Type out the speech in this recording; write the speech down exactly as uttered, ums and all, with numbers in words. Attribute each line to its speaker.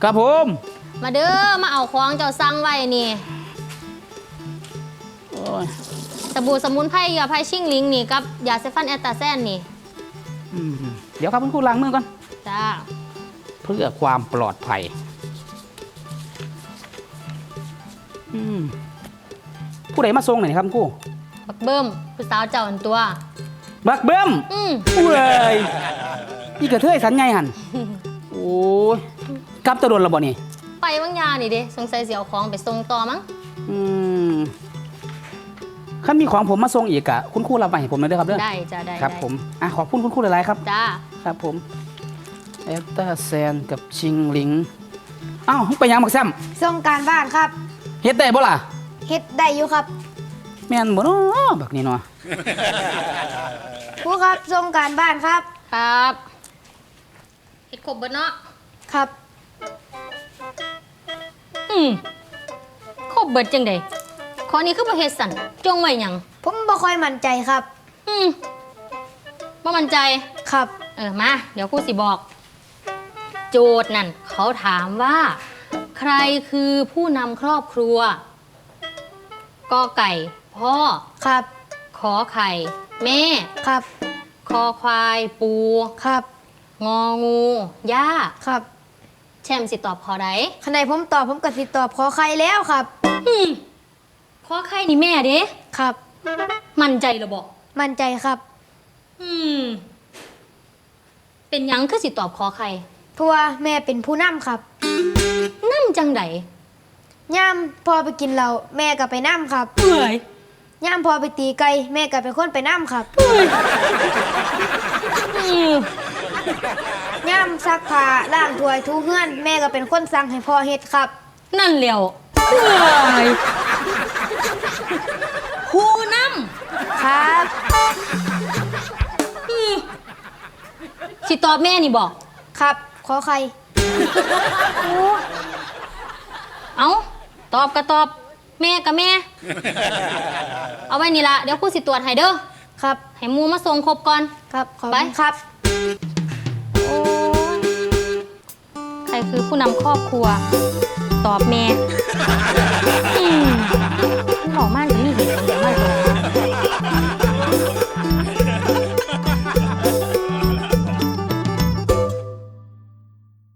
Speaker 1: ครับผม
Speaker 2: มาเด้อมาเอาของเจ้าสั่งไว้นี่สบู่สมุนไพรยาไพชิ่งลิงนี่กับยาเซฟันแอตตาแซนนี่
Speaker 1: เดี๋ยวครับคุณครูล้างมือก่อน
Speaker 2: จ้า
Speaker 1: เพื่อความปลอดภัยผู้ใดมาส่งหน่อยครับคุณครู
Speaker 2: บักเบิ้มผู้สาวเจ้าอันตัว
Speaker 1: บักเบิ้ม
Speaker 2: อืม
Speaker 1: เว้ยนี่กระเทยสันใหญ่หันโอ้ยกลับตะโดนระบ่นี่
Speaker 2: ไปวังยานี่เด้สงสัยเสียวของไปส่งต่อมั้ง
Speaker 1: อืมถ้ามีของผมมาส่งอีกอะคุณครูรับไปให้ผมเลยด้วยครับเด้อ
Speaker 2: ได้จ้าได้
Speaker 1: ครับผมอ่ะขอบคุณคุณครูหลายๆครับ
Speaker 2: จ้า
Speaker 1: ครับผมแอตตาแซนกับชิงลิงอ้าวไปยังบักแซม
Speaker 3: ส่งการบ้านครับ
Speaker 1: เฮ็ดได้บ่ล่ะ
Speaker 3: เฮ็ดได้อยู่ครับ
Speaker 1: แม่นบ่เนาะบักนี่เนาะ
Speaker 3: ครูครับส่งการบ้านครับ
Speaker 2: ครับเฮ็ดครบเบิดเนาะ
Speaker 3: ครับ
Speaker 2: อืมครบเบิดจังได๋ข้อนี้คือบ่เฮ็ดสั่นจงไว้หยัง
Speaker 3: ผมบ่ค่อยมั่นใจครับ
Speaker 2: อืมบ่มั่นใจ
Speaker 3: ครับ
Speaker 2: เออมาเดี๋ยวครูสิบอกโจทย์นั่นเขาถามว่าใครคือผู้นำครอบครัวกอไก่พ่อ
Speaker 3: ครับ
Speaker 2: ขอไข่แม่
Speaker 3: ครับ
Speaker 2: คอควายปู
Speaker 3: ครับ
Speaker 2: งองูย่า
Speaker 3: ครับ
Speaker 2: แชมสิตอบขอใด
Speaker 3: คันใดผมตอบผมก็สิตอบขอไข่แล้วครับ
Speaker 2: อืมขอไข่นี่แม่เด้
Speaker 3: ครับ
Speaker 2: มั่นใจหรือบ่
Speaker 3: มั่นใจครับ
Speaker 2: อืมเป็นหยังคือสิตอบขอไข่
Speaker 3: เพราะว่าแม่เป็นผู้นำครับ
Speaker 2: นำจังได
Speaker 3: ย่ามพอไปกินเหล้าแม่ก็ไปนำครับ
Speaker 2: เอ้ย
Speaker 3: ย่ามพอไปตีไก่แม่ก็เป็นคนไปนำครับย่ามซักผ้าล้างถ้วยถูเฮือนแม่ก็เป็นคนสั่งให้พ่อเฮ็ดครับ
Speaker 2: นั่นแหล้วเอ้ยผู้น
Speaker 3: ำครับ
Speaker 2: สิตอบแม่นี่บอก
Speaker 3: ครับขอใคร
Speaker 2: เอาตอบก็ตอบแม่กับแม่เอาไว้นี่ละเดี๋ยวครูสิตรวจให้เด้อ
Speaker 3: ครับ
Speaker 2: ให้มูมาส่งครบก่อน
Speaker 3: ครับ
Speaker 2: ไป
Speaker 3: ครับ
Speaker 2: โอ้ใครคือผู้นำครอบครัวตอบแม่